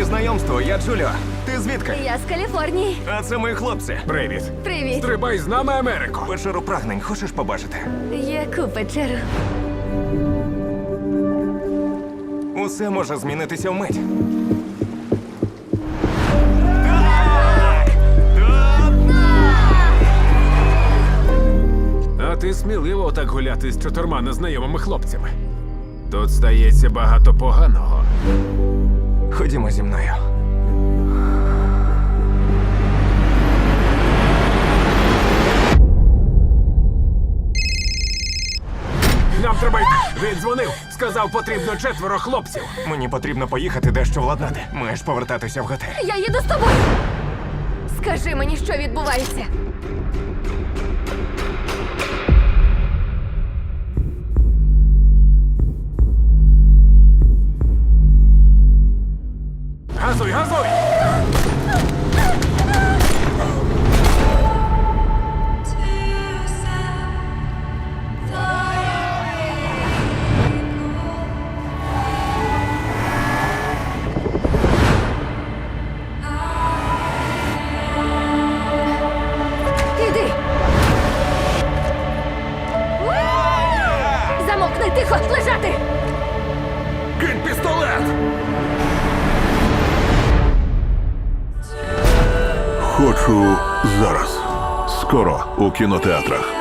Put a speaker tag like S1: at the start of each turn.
S1: знайомству, я Джуліо. Ти звідки?
S2: Я з Каліфорнії.
S1: А це мої хлопці. Привіт.
S2: Привіт.
S3: Стрибай з нами, Америко.
S1: Печеру прагнень хочеш побачити?
S2: Яку печеру?
S1: Усе може змінитися вмить.
S3: А ти сміливо так гуляти з 4 незнайомими хлопцями. Тут стається багато поганого.
S1: Ходімо зі мною.
S3: Нам треба йти. Він дзвонив. Сказав, потрібно 4 хлопців.
S1: Мені потрібно поїхати дещо владнати. Маєш повертатися в готель.
S2: Я їду з тобою. Скажи мені, що відбувається.
S3: Газуй, газуй!
S2: Іди. Замовкни, тихо, лежати.
S1: Кинь пістолет!
S4: Хочу зараз. Скоро у кінотеатрах.